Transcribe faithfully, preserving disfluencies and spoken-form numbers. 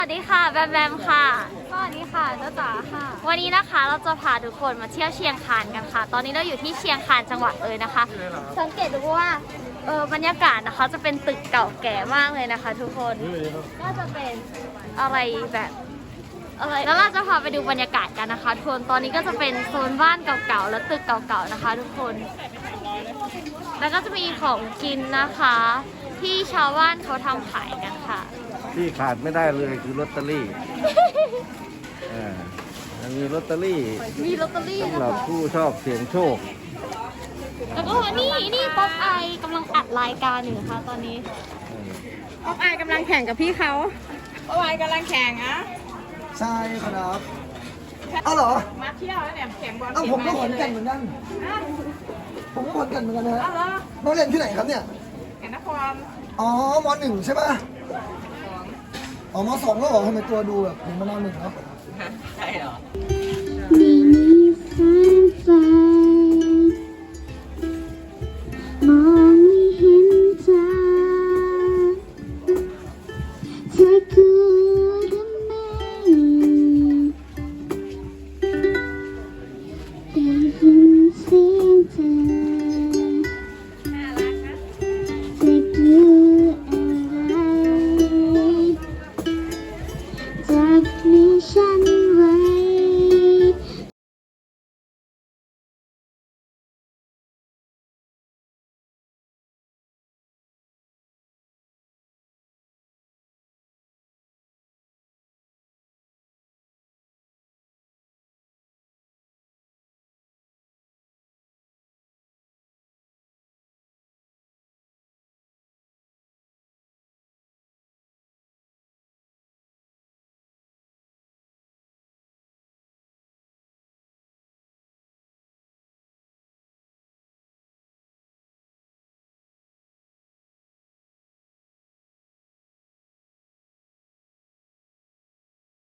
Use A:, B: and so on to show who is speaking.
A: สวัสดีค่ะแบมแบมค่ะ
B: สวัสดีค่ะเจ้าจ๋าค่ะ
A: วันนี้นะคะเราจะพาทุกคนมาเที่ยวเชียงคานกันค่ะ ตอนนี้เราอยู่ที่เชียงคานจังหวัดเลยนะคะ สังเกตดูว่าเออบรรยากาศนะคะจะเป็นตึกเก่าแก่มากเลยนะคะ ทุกคนก็จะเป็นอะไรแบบอะไรแล้วเราจะพาไปดูบรรยากาศกันนะคะทุกคนตอนนี้ก็จะเป็นโซนบ้านเก่าๆและตึกเก่าๆนะคะ ทุกคน แล้วก็จะมีของกินนะคะ ที่ชาวบ้านเขาทำขายกันค่ะ
C: ที่ขาดไม่ได้เลยคือลอตเตอรี่ อ่ามันมีลอตเตอรี่
A: มีลอตเตอรี่
C: สำ
A: นะ
C: หรับ
A: คะ
C: ผู้ชอบเสี่ยงโชค
A: แล้วก็นี่นี่ป๊อปไอกำลังอัดรายการอยู่นะคะตอนนี้
B: ออฟไอกำลังแข่งกับพี่เขาออฟไอกำลังแข่งอะ
D: ใช่ครับเอ้าเหรอ
B: มาเที่ยวแล้วเนี่ยแข่งบอล
D: เอ้าผมก็ขอนแก่นเหมือนกัน ผมก็ขอนแก่นเหมือนกันนะฮะ
B: อ้าวเหรอ
D: น้องเรียนที่ไหนครับเนี่ย
B: แข่งนคร
D: อ๋อมหนึ่งใช่ป่ะอ๋อมสองก็บอกทำไมตัวดูแบบเหมือนมานอนหนึ่งเนาะ
B: ใช่เหรอ
A: นี่นี่